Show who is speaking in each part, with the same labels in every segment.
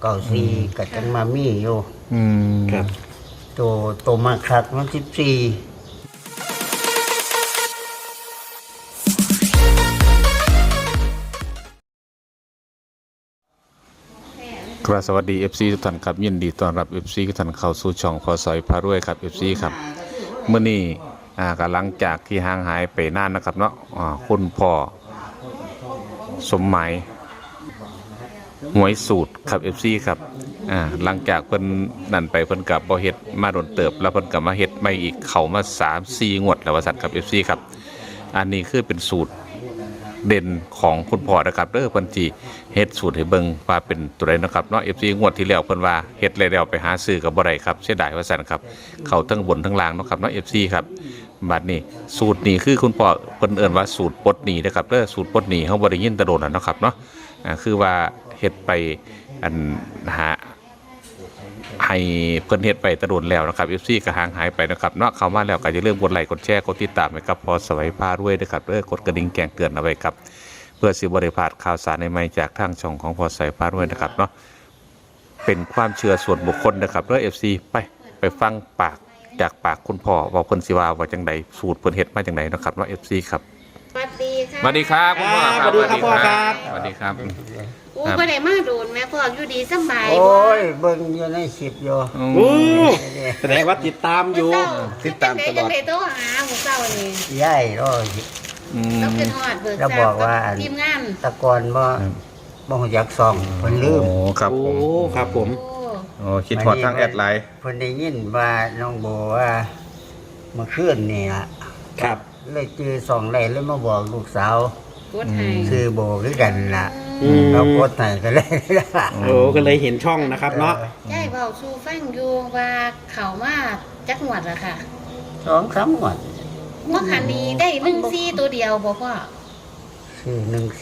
Speaker 1: เก่าซีกับจังมามีอยู่
Speaker 2: ครับ
Speaker 1: ตัวมาคักมัน14
Speaker 3: ครับสวัสดี FC ทุกท่านครับยินดีต้อนรับ FC ทุกท่านเข้าสู่ช่องพอสอยพารวยครับ FC ครับเมื่อนี้ก็หลังจากที่ห่างหายไปนานนะครับเนาะคุณพ่อสมหมายหวยสูตรครับ FC ครับหลังจากเพิ่นนั่นไปเพิ่นกับบ่เฮ็ดมาโดนเติบแล้วเพิ่นกับมาเฮ็ดใหม่อีกเข้ามา 3-4 งวดแล้วว่าซั่นครับ FC ครับอันนี้คือเป็นสูตรเด่นของคุณพ่อนะครับเด้อเพิ่นสิเฮ็ดสูตรให้เบิ่งว่าเป็นตัวใดนะครับเนาะ FC งวดที่แล้วเพิ่นว่าเฮ็ดแล้วไปหาซื้อก็บ่ได้ครับเสียดายว่าซั่นครับเข้าทั้งบนทั้งล่างเนาะครับเนาะ FC ครับบัดนี้สูตรนี้คือคุณพ่อเพิ่นเอิ้นว่าสูตรปลดหนี้นะครับเด้อสูตรปลดหนี้เฮาบ่ได้ยินแต่โดนแล้วเนาะครับเนาะคือว่าเฮ็ดไปอันหาให้เพิ่นเฮ็ดไปตะโดนแล้วนะครับ FC ก็ห่างหายไปนะครับเนาะเข้ามาแล้วก็อย่าลืมกดไลค์กดแชร์กดติดตามให้กับพอสวัยพารวยด้วยครับกดกระดิ่งแจ้งเตือนเอาไว้ครับเพื่อสิบ่ได้พลาดข่าวสารใหม่ๆจากทางช่องของพอสวัยพารวยนะครับเนาะเป็นความเชื่อส่วนบุคคลนะครับFC ไปฟังปากจากปากคุณพ่อว่าเพิ่นสิว่าจังได๋สูตรเพิ่นเฮ็ดมาจังไดนะครับเนาะ FC ครับ
Speaker 4: สวัสดีค่ะ
Speaker 3: สวัสดีครับคุณพ่อครับ
Speaker 2: สวัสดีครับพ่อครับ
Speaker 3: สวัสดีครับ
Speaker 4: อู้บ่ได้มาโดนแม่พ่ออยู่ดีสบาย
Speaker 1: โอ้ยเบิ่งอยู่ในคลิปอยู่
Speaker 2: โอ้แสดงว่าติดตามอยู่
Speaker 3: ติดตามตลอด
Speaker 4: จังได๋โทรหาหมู่เจ้านี่
Speaker 1: ยายรอ
Speaker 4: เราขึ้นฮอดเบิก
Speaker 1: แล้วบอกว่า
Speaker 4: ทีมงาน
Speaker 1: ตะกอนบ่ฮู้จักซ่องเพิ่นลืม
Speaker 3: โอ้ครับ
Speaker 2: โอ้
Speaker 3: ผม
Speaker 2: ครับผม
Speaker 4: โอ้
Speaker 3: โอ้คิดฮอดทางแอดไลน์
Speaker 1: เพิ่นได้ยินว่าน้องโบว่าเมื่อคืนนี่ล่ะ
Speaker 2: ครับ
Speaker 1: เลยจื้อซ่องได้เลยมาบอกลูกสาว
Speaker 4: กดให้
Speaker 1: ชื่อโบคือกันล่ะ
Speaker 2: อืม
Speaker 1: เราโพสต์ให้ก็เลยล่ะ
Speaker 2: โอ้ก็เลยเห็นช่องนะครับเนาะ
Speaker 4: ยายเว้าสู่ฟังอยู่ว่าเข้ามาจักหวัดละค่ะ
Speaker 1: 2-3งวด
Speaker 4: เมื่อคันนี้ได้14ตัวเดียวบ่พ่อ
Speaker 1: ชื่อ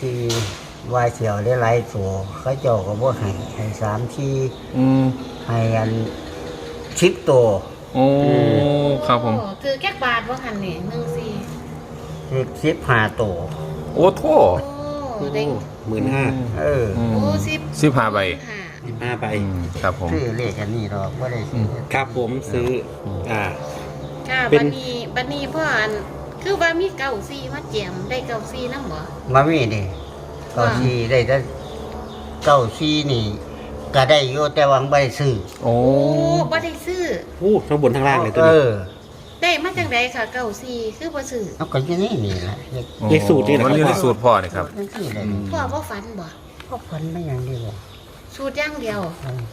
Speaker 1: 14ว่าเสียวได้หลายตัวเขาเจ้าก็บ่ให้3ที่ให้อัน10ตัว
Speaker 3: โอ้ครับผม
Speaker 4: โอ้ถือแก๊กบาทบ่คันนี่14
Speaker 1: คือ15ตัว
Speaker 3: โอ้โท
Speaker 4: โอ้ได้
Speaker 2: 15,000
Speaker 1: เออ
Speaker 4: โอ้
Speaker 3: 15 ใบ
Speaker 2: 15ใบ
Speaker 3: ครับผม
Speaker 1: ซื้อเลขอันนี้หรอกบ่ได้ซื้อ
Speaker 2: ครับผมซื้อ
Speaker 4: ค่ะ
Speaker 2: เป็น
Speaker 4: บัดนี้พ่ออันคือว่ามีเก้าซี่มาแจมได้เก้าซี่นำบ่
Speaker 1: มามีนี่เก้าสี่ได้แต่เก้าสี่นี่ก็ได้อยู่แต่ว่าบ่ได้ซื้อ
Speaker 3: โอ้
Speaker 4: โอ้บ่ได้ซื้อ
Speaker 2: โอ้ทั้งบนทั้งล่างเลยตัว
Speaker 1: เอ
Speaker 2: นี้
Speaker 1: อ
Speaker 4: ได้มาจากไหนค่ะเก้าซี่คือบ่ซื้อ
Speaker 1: เอาก็อยู่นี่นี่ล่ะเลข
Speaker 2: เลขสูตรนี่นะค
Speaker 3: มั
Speaker 2: รับ
Speaker 3: นอยู่ในสูตรพ่อนี่ครับ
Speaker 1: จังซี่เลย
Speaker 4: พ่อบ่ฝันบ่
Speaker 1: พวกพันไม่อย่างเดียว
Speaker 4: สูตรอย่างเดียว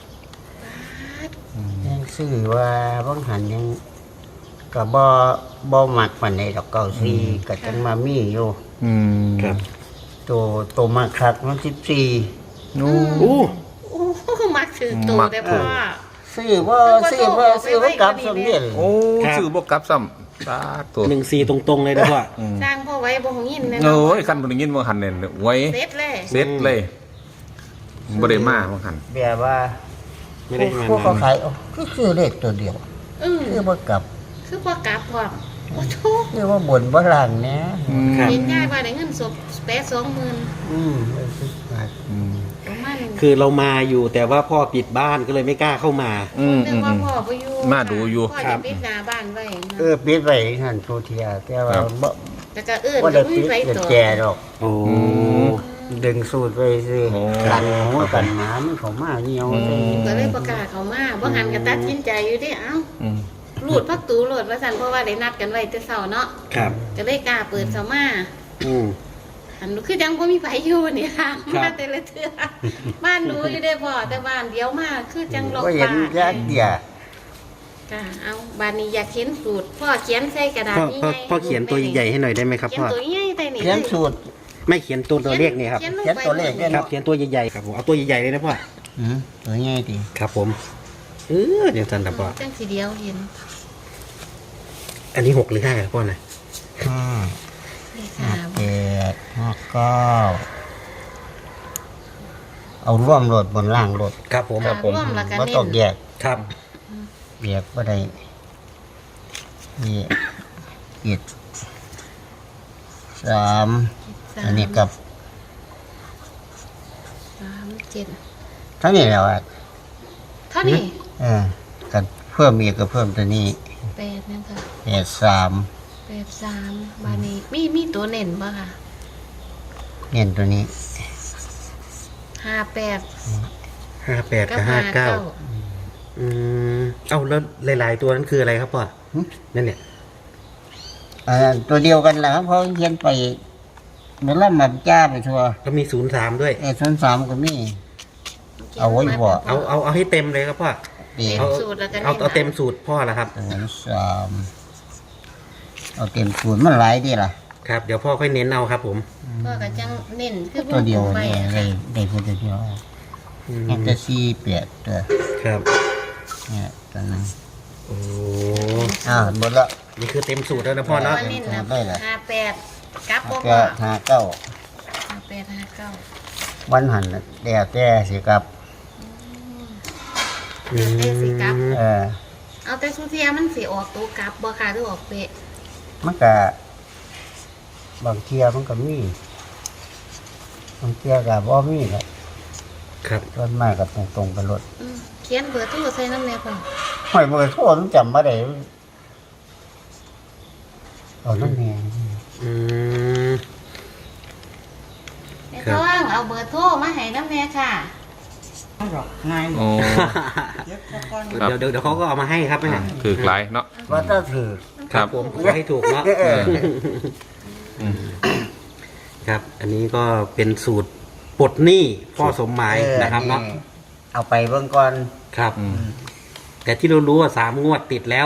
Speaker 1: ยังซื้อว่าบางหันยังก็บ่มักปานใดดอกเก้าสี่ก็จังมามีอยู่
Speaker 2: ครับ
Speaker 1: ตัวมาคักมัน14
Speaker 3: โอ้
Speaker 2: โอ้
Speaker 4: โอ้มักถือตัวแต่พ่อ
Speaker 1: ซื้อบ่กลับสมเด็จ
Speaker 3: โอ้ชื่อบ่กลับซ้ำสาธุ
Speaker 2: 14ตรงๆเลยนะพ่อ
Speaker 4: สร้างพ่อไว้บ่หงินแน่
Speaker 3: โอ้ยคันบ่ได้ยินบ่หันเนี่ยไว้
Speaker 4: เสร็จเลย
Speaker 3: เสร็จเลยบ่ได้มาบ่หัน
Speaker 1: แบบว่า
Speaker 2: ไม่ได้มา
Speaker 1: พวกเขา
Speaker 2: นาน
Speaker 1: ขายก็คือเลขตัวเดียว คือบ่กลับ
Speaker 4: คือบ่กลับพร้อมโอ้โธ่
Speaker 1: คือว่าบ่นบ่ล่างเนี่ย
Speaker 2: ครับ
Speaker 4: เห็นยายว่าได้เงินสดแปะ20,000 ประมาณ
Speaker 2: คือเรามาอยู่แต่ว่าพ่อปิดบ้านก็เลยไม่กล้าเข้ามา
Speaker 4: นึกว่าพ่อบ่อยู่
Speaker 3: มาดูอยู่
Speaker 4: พ่อจะปิดหน้าบ้านไว้นะ
Speaker 1: ปิดไว้หั่นทุเทียแต่ว่าบ่
Speaker 4: แล้วก็เอิ้น
Speaker 1: บ่ได้
Speaker 4: ก็
Speaker 1: ปิด
Speaker 4: ไว้
Speaker 1: เป็น
Speaker 4: ตัว
Speaker 1: แจดอก
Speaker 2: โอ้
Speaker 1: ดึงสูตรไว้ซื้อ
Speaker 3: โอ้
Speaker 1: กันหัวกันหมามันเข้ามาเหี่ยว
Speaker 4: ก็เลยประกาศเขามาบ่หันก็ตัดสินใจอยู่เด้เอ้ารูดพักตูโหลดว่าซั่นเพราะว่าได้นัดกันไว้แต่เช้าเนาะ
Speaker 2: ครับ
Speaker 4: ก็เลยกล้าเปิดเข้ามา
Speaker 2: อืม
Speaker 4: อันคือจังบ่มีไผอยู่นี่ค่ะ
Speaker 2: ครับ
Speaker 4: มาแต่ละเทื่อบ้านหนูอยู่ได้พ่อแต่บ้านเดียวมาคือจังล็อก
Speaker 1: บ่เห็น
Speaker 4: บ้าน
Speaker 1: จักเดีย
Speaker 4: ค่ะเอาบ้านนี้อยากเขียนสูตรพ่อเขียนใส่กระดาษ
Speaker 2: พ่อ
Speaker 4: นี่
Speaker 2: พ่อ
Speaker 4: ไง
Speaker 2: พ่อเขียนตัวใหญ่ๆให้หน่อยได้ไหมครับ
Speaker 4: เขียน
Speaker 2: พ่อ
Speaker 4: ตัวใหญ่ใส่นี่
Speaker 1: เขียนสูตร
Speaker 2: ไม่เขียนตัวเลขนี่ครับ
Speaker 4: เขียน
Speaker 1: เขียนตัวเลขเนี่ย
Speaker 2: ครับ เขียนตัวใหญ่ๆครับผมเอาตัวใหญ่ๆเลยนะพ่อ
Speaker 1: ตัวใหญ่ดิ
Speaker 2: ครับผมเดี๋ยวจันครับพ่อ
Speaker 4: จังสีเดียวเห็น
Speaker 2: อันนี้6หรือ5ครับพ่อนะ
Speaker 4: เลขห้า
Speaker 1: 7 5 9เอาร่วมโหลดบนล่างโหลด
Speaker 2: ครับผม
Speaker 3: ครับผม
Speaker 4: ร่วมแล้วก็
Speaker 1: บ่
Speaker 4: เน้
Speaker 1: ต้อง
Speaker 4: น
Speaker 1: แยก
Speaker 2: ครับ
Speaker 1: แยกบ่ได้นี่3อันนี้กับ
Speaker 4: 3 7
Speaker 1: ทั้งนี้แล้วอ่ะ
Speaker 4: เท่านี้
Speaker 1: กันเพิ่มอีกก็เพิ่มตัวนี้
Speaker 4: 8นั่นค่ะ
Speaker 1: 83
Speaker 4: 83บาดนี้มีตัวเน้นบ่ค่ะ
Speaker 1: เน้นตัวนี้
Speaker 4: 58
Speaker 2: 58
Speaker 4: กั
Speaker 2: กั
Speaker 4: บบ 59
Speaker 2: 59เอ้าแล้วหลายๆตัวนั้นคืออะไรครับพ่อนั่นเนี่ย
Speaker 1: ตัวเดียวกันแหละครับเพราะเขียนไปเมื่อล่ำมาจ้าไปทัวร์
Speaker 2: ก็มี03ด้วย
Speaker 1: 03ก็มี เอาไว้บ่
Speaker 2: เอาให้เต็มเลยครับพ่อ
Speaker 1: เดี๋ย
Speaker 4: เต็
Speaker 1: ว
Speaker 4: มสูตรแล้วก็
Speaker 2: เอาเต็มสูตรพ่อละครับ
Speaker 1: 03เอาเต็มศูนย์มันหลายดีล่ะ
Speaker 2: ครับเดี๋ยวพ่อค่อยเน้นเอาครับผม
Speaker 4: พ่อก็จังเน้นคือ
Speaker 1: ตัวเดียว
Speaker 4: ไป
Speaker 1: เนี่ยได้พูดตัวเดียวแอนเตอร์ซีเปียดตัว
Speaker 2: ครับ
Speaker 1: เนี่ยตัวนั้น
Speaker 2: โอ้
Speaker 1: หมดละ
Speaker 2: นี่คือเต็มสูตรแล้วนะพ่อ
Speaker 4: พ่อ
Speaker 2: เนาะ
Speaker 4: เน้นนะ
Speaker 1: ได้แหละ
Speaker 4: 58กลับบ่
Speaker 1: ก็
Speaker 4: พ่อ
Speaker 1: 59
Speaker 4: 58
Speaker 1: วันหันน่ะเดี๋ยวแต่สิครับ
Speaker 4: 59ได้สิกลับ
Speaker 1: เ
Speaker 4: เอาแต่สุเทียมันสิออกตัวกลับบ่ค่ะหรือออกเป๊ะ
Speaker 1: มันก็บางเทียมันก็มีบางเทียก็บ่มีแหละ
Speaker 2: ครับ
Speaker 1: ส่วนมากก็ตรงๆไปรถ
Speaker 4: เขียนเบอร์โทรใส่น้ำแน่พ่อ
Speaker 1: หอยเบอร์โทรมันจำบ่ได้เอานั่นแน่
Speaker 2: อืม
Speaker 4: ไอ้
Speaker 2: ครับ
Speaker 4: ท้องเอาเบอร์โทรมาให้น้ำแน่ค่ะ
Speaker 1: ง่าย
Speaker 3: โอ้ ครับ
Speaker 2: เดี๋ยวเขาก็เอามาให้ครับแม่
Speaker 3: ถือหลายเนาะ
Speaker 1: ว่าถ้าถือ
Speaker 3: ครับ
Speaker 2: ผมขอให้ถูกเนาะ ครับ อันนี้ก็เป็นสูตรปลดหนี้พ่อสมหมายนะครับเนาะ
Speaker 1: เอาไปเบิ่งก่อน
Speaker 2: ครับ แต่ที่เรารู้ว่า3 งวดติดแล้ว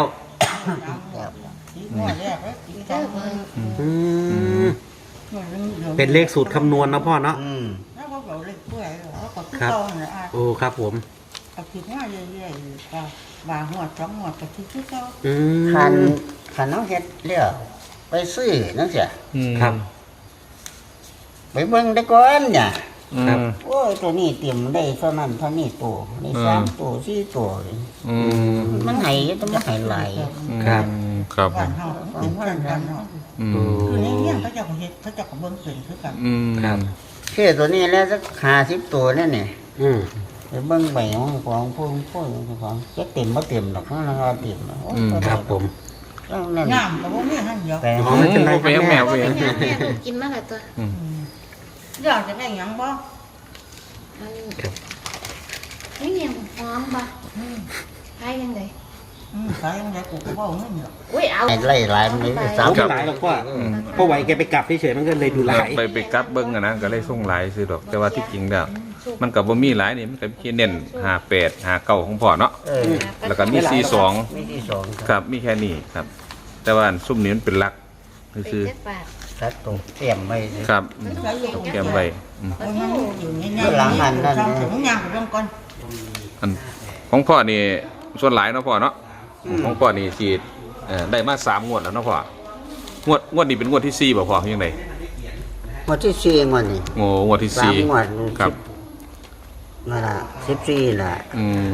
Speaker 4: เจ้าเบอร์
Speaker 2: อืมเป็นเลขสูตรคำนวณนะพ่อเนาะ
Speaker 5: แล้วก็เราเล็กเปื่อยแล้วก็
Speaker 2: ครับ
Speaker 5: เข้าเนี่ยอ่ะ
Speaker 2: โอ้ครับผม
Speaker 5: เอาคิดว่าเรื่อยๆก็บางหัวสองหัวก็คิดที่เขา
Speaker 2: อืม
Speaker 1: คันน้องเฮ็ดเรียกไปซื้อนั่นเสีย
Speaker 2: ครับ
Speaker 1: ไปเบิ่งได้ก่อนเนี่ย
Speaker 2: ครับ
Speaker 1: โอ้ยตัวนี้เตรียมได้เท่านั้นเท่านี้ตัวนี่3ตัว4ตัว มันให้ต้องมาให้หลาย
Speaker 2: ครับ
Speaker 3: ครับผ
Speaker 5: บ้าน
Speaker 3: ม
Speaker 5: เฮาเป็นเพื่อนกันเนาะ
Speaker 3: อืม
Speaker 5: คือในเรื่องเขาเจะเฮ็ดเขาเจะก็เบิ่งเป็นคือกัน
Speaker 3: อืม
Speaker 2: ครับ
Speaker 1: คือตัวนี้แล้วสัก50ตัวนั่นนี่
Speaker 2: อืม
Speaker 1: ไปเบิ่งใบของพวกของจะเต็มบ่เต็มหรอกข้างล่างเต็มโอ้ย
Speaker 2: ครับผม
Speaker 1: ข้างนั้น
Speaker 5: งามก็บ่มีหันเดียว
Speaker 1: แต่
Speaker 2: อ๋อไม่เป็นไรครับ
Speaker 3: แมว
Speaker 2: แม่
Speaker 3: แมว
Speaker 4: เป็นยังแม่ลูกกินมาแล้วตัว
Speaker 5: อยากจะได้หยังบ่
Speaker 4: มัน
Speaker 2: ครับ
Speaker 4: นี่ยังหอมบ่ใช้ยังไง
Speaker 5: ขายจังไดกูก็บ่เอาเงินหรอก
Speaker 4: อุ้ยเอา
Speaker 1: ไล่หลายมันเลย
Speaker 2: สาวไม่หลายหรอกพ่อพ่อไหวแกไปกลับเฉยๆมันก็เลยดูหลาย
Speaker 3: ไปกลับเบิ้งอะนะก็เลยส่งหลายซื้อดอก แต่ว่าที่จริงแล้วมันกับบ่มีหลายนี่มันก็มีเน้น58 59ของพ่อเนาะ แล้วก็มี42
Speaker 1: ไม่ที่สอง
Speaker 3: ครับมีแค่นี้ครับ แต่ว่าอันซุ่มนี้มันเป็นหลัก
Speaker 4: เป็น
Speaker 3: คือ
Speaker 4: เจ็ดบาท
Speaker 1: ชัดตรงเตรียมไว้
Speaker 3: ครับ
Speaker 4: มันต้องเก็บ
Speaker 3: เตรียมไว้อืม
Speaker 5: โอ้ยมันอยู่ง่ายๆ
Speaker 1: หลังหันนั่น
Speaker 5: ทำถึงยางไปเบิ่งก่อน
Speaker 3: อันของพ่อนี่ส่วนหลายเนาะพ่อเนาะของพ่อนี่สิได้มา3 งวดแล้วเนาะพ่องวดนี้เป็นงวดที่4บ่พ่อยังไง
Speaker 1: วันที่สี่วันนี้
Speaker 3: โอ้งวดที่
Speaker 1: 3งวด
Speaker 3: 4ครับ
Speaker 1: นั่นล่ะ14ล่ะ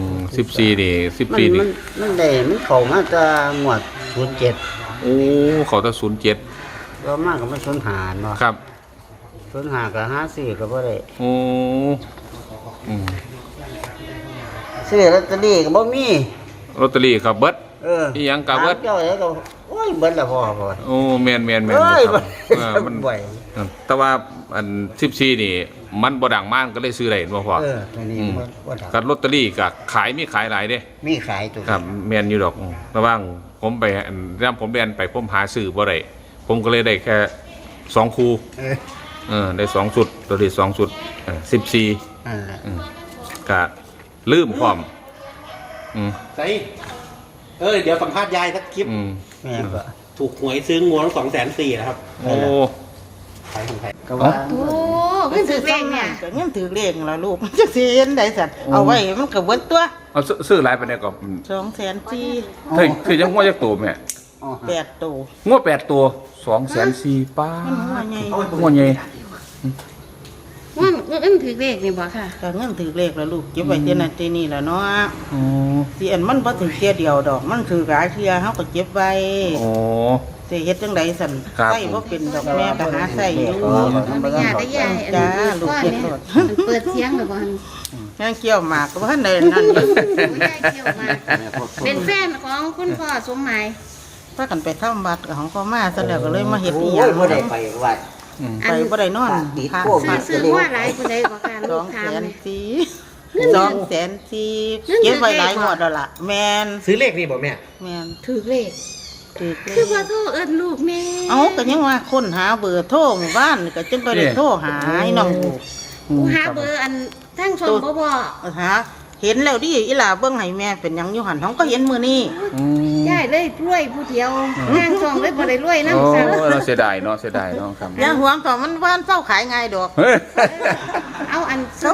Speaker 3: 14นี่
Speaker 1: มัน
Speaker 3: 14นี่
Speaker 1: มันได้มันเข้ามาจะงวด07
Speaker 3: โอ้เขาจะ07
Speaker 1: ก็มากก็มัน05เนาะ
Speaker 3: ครับ
Speaker 1: 05ก็54ก็บ่ได้
Speaker 3: โอ้อืม
Speaker 1: ซื้อลอตเตอรี่ก็บ่มี
Speaker 3: ลอตเตอรี่ครับเบิด
Speaker 1: อี
Speaker 3: หยังก็เบิด
Speaker 1: เจ้าแล้วก็โอ้ยเบิดละพ่อ
Speaker 3: โอ้แม่น
Speaker 1: เอ้ย
Speaker 3: ครับ
Speaker 1: เบิด
Speaker 3: มัน
Speaker 1: บ่อย
Speaker 3: แต่ว่าอัน14นี่มันบ่ดังมากก็เลยซื้อได้เห็นบ่พ่อ
Speaker 1: ตัวนี้บ่ดัง
Speaker 3: กับลอตเตอรี่ก็ขายมีขายหลายเด้
Speaker 1: มีขายตัว
Speaker 3: ครับแม่นอยู่ดอกระหว่างผมไปอันย่ำผมเรียนไปผมหาซื้อบ่ได้ผมก็เลยได้แค่2คู่ ได้2ชุดตัวที่2ชุด14
Speaker 1: นั่นแหละ
Speaker 3: ก็ลืมพร้อมอืม
Speaker 2: ใส่เดี๋ยวสัมภาษณ์ยายสักคลิป
Speaker 1: แม่ก็
Speaker 2: ถูกหวยซื้องวด240,000นะครับ
Speaker 3: โอ้
Speaker 2: ขายของใคร
Speaker 1: ก็ว่า
Speaker 4: โอ้ขึ้นถึงเลขเนี่ย
Speaker 5: ก็เงินถือเลขล่ะลูกมันจักสิเห็นได้สัตว์เอาไว้มันก็เบิดตัว
Speaker 3: เอาซื้อหลายไปเนี่ยก็
Speaker 5: 200,000
Speaker 3: คือจังหัวจักตัวแม่
Speaker 5: 8ตัว
Speaker 3: งวด8ตัว204,000ป้า
Speaker 5: มันหัวใหญ่
Speaker 3: งวดใหญ่
Speaker 4: มันถึงเลขนี่บ่ค่ะ
Speaker 5: ก็เงินถือเลขล่ะลูกเก็บไว้ที่นั่นที่นี่ล่ะเนาะ
Speaker 3: โอ้
Speaker 5: สิอันมันบ่ถือเที่ยเดียวดอก มันถือหลายเที่ยเฮาก็เก็บไว้
Speaker 3: โอ้
Speaker 5: สิเฮ็ดจังไดสั่น
Speaker 3: ครับ
Speaker 5: ใส่บ่เป็นดอกแม่ก็หาใส่อยู่
Speaker 4: ไม่ยากได้ยายอัน
Speaker 5: จ้า
Speaker 4: นี้
Speaker 5: ลูก
Speaker 4: พ่อ
Speaker 5: เฮ็ด
Speaker 4: เนี่ย
Speaker 5: โลด
Speaker 4: มันเปิดเสียงหรือเปล่า
Speaker 5: ยังเกี่ยวหมากก็บ่ทันได้นั่นอยู่
Speaker 4: โอ้ยยายเกี่ยวมาเป็นแฟนของคุณพ่อสมหมาย
Speaker 5: พากันไปทำบัตรกับของพ่อมาซะแล้วก็เลยมาเฮ็ดอี
Speaker 1: โอ้
Speaker 5: หยั
Speaker 1: ย
Speaker 5: ง
Speaker 1: บ่ได้ไปวัด
Speaker 5: ไปบ่ได้นอน
Speaker 1: ติด
Speaker 5: ทาง
Speaker 1: โควิ
Speaker 4: ซื้อว่าหลายผู้ใดกว่าการลูกถามเลย
Speaker 5: 200,000เก็บไว้หลายงวดแล้วล่ะแม่น
Speaker 2: ซื้อเลขนี่บอกแม่
Speaker 5: แม่น
Speaker 4: ถือเลข
Speaker 5: ถูกเล
Speaker 4: คือย ว่าโทษเอิ้นลูกแม่
Speaker 5: เอาก็ยังว่าค้นหาเบอร์โทรหมู่บ้านก็จึงไปได้โทรหาให้น้อง
Speaker 4: กูหาเบอร์อันทั้งชมบ่บ่
Speaker 5: หาเห็นแล้วดิอีหลาเบิ่งให้แม่เป็นหยังอยู่หั่นเขาก็เห็นมื้อนี้
Speaker 4: ยายเลยรวยผู้เดียวทางช่องเลยบ่ได้รวย
Speaker 3: โอ้
Speaker 4: นำซ้ำ
Speaker 3: เราเสียดายเนาะเสียดายเนาะครับ
Speaker 5: อย่าห่วงต่อมันบ้านเศร้าขายง่ายดอก
Speaker 3: เฮ้ย
Speaker 4: เอาอันซุป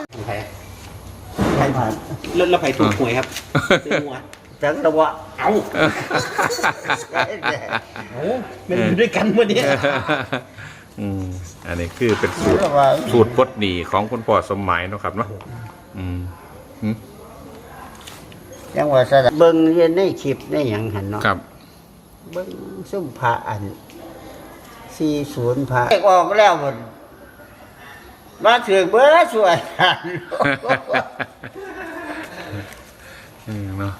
Speaker 2: แล้วไปถูกหวยครับซื้อหวย
Speaker 1: จังระวะ
Speaker 2: เอามันอยู่ด้วยกันวันนี้
Speaker 3: อันนี้คือเป็นสูตรปลดหนี้ของคุณพ่อสมหมายเนาะครับเนาะอืม
Speaker 1: จังว่าซะเบิ่งเรียนในคลิปได้หยังหั่นเนาะ
Speaker 3: ครับ
Speaker 1: เบิ่งซุ่มพระอัน40พระออกแล้วหมดมาถึงเบิ่สวย
Speaker 3: เนาะ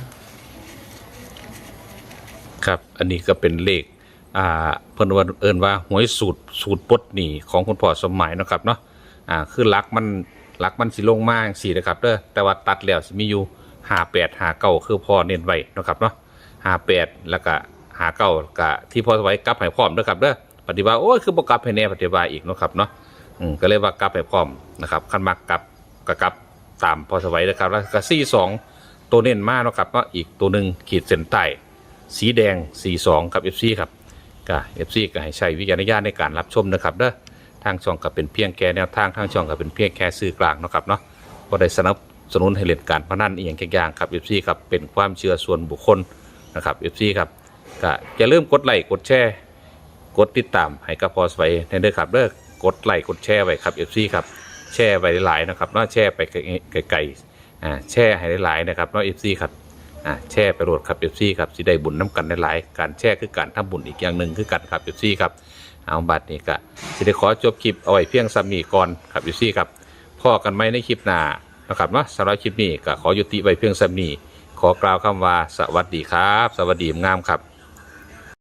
Speaker 3: ครับ อันนี้ก็เป็นเลขเพิ่นว่าเอิ้นว่าหวยสูตรปลดหนี้ของคุณพ่อสมหมายเนาะครับเนาะคือหลักมันสิลงมาจังซี่นะครับเด้อแต่ว่าตัดแล้วสิมีอยู่58 59คือพ่อเน้นไว้เนาะครับเนาะ58แล้วก็59ก็ที่พ่อไว้กลับให้พร้อมเด้อครับเด้อปฏิบัติโอ้ยคือบ่กลับให้แน่ปฏิบัติอีกเนาะครับเนาะก็เลยว่ากลับให้พร้อมนะครับคันมักกลับก็กลับตามพ่อสวัยนะครับแล้วก็42ตัวเน้นมาเนาะครับเนาะอีกตัวหนึงขีดเส้นใต้สีแดง42ครับ FC ครับก็ FC ก็ให้ใช้วิจารณญาณในการรับชมนะครับเด้อทางช่องก็เป็นเพียงแค่แนวทางทางช่องก็เป็นเพียงแค่สื่อกลางเนาะครับเนาะบ่ได้สนับสนุนให้เล่นการพนันอีกอย่างครับ FC ครับเป็นความเชื่อส่วนบุคคลนะครับ FC ครับก็อย่าลืมกดไลค์กดแชร์กดติดตามให้กับพอสไว้ในเด้อครับเด้อกดไลค์กดแชร์ไว้ครับ FC ครับแชร์ไว้หลายๆนะครับเนาะแชร์ไปไกลๆแชร์ให้หลายๆนะครับเนาะ FC ครับแชร์ไปโหลดครับ FC ครับสิได้บุญน้ำกันหลายๆการแชร์คือการทำบุญอีกอย่างหนึ่งคือกันครับ FC ครับเอาบัตรนี้ก็สิได้ขอจบคลิปเอาไว้เพียงซ้ำนี้ก่อนครับ FC ครับพอกันไหมในคลิปหน้านะครับเนาะสำหรับคลิปนี้ก็ขอยุติไว้เพียงซ้ำนี้ขอกล่าวคำว่าสวัสดีครับสวัสดีงามครับ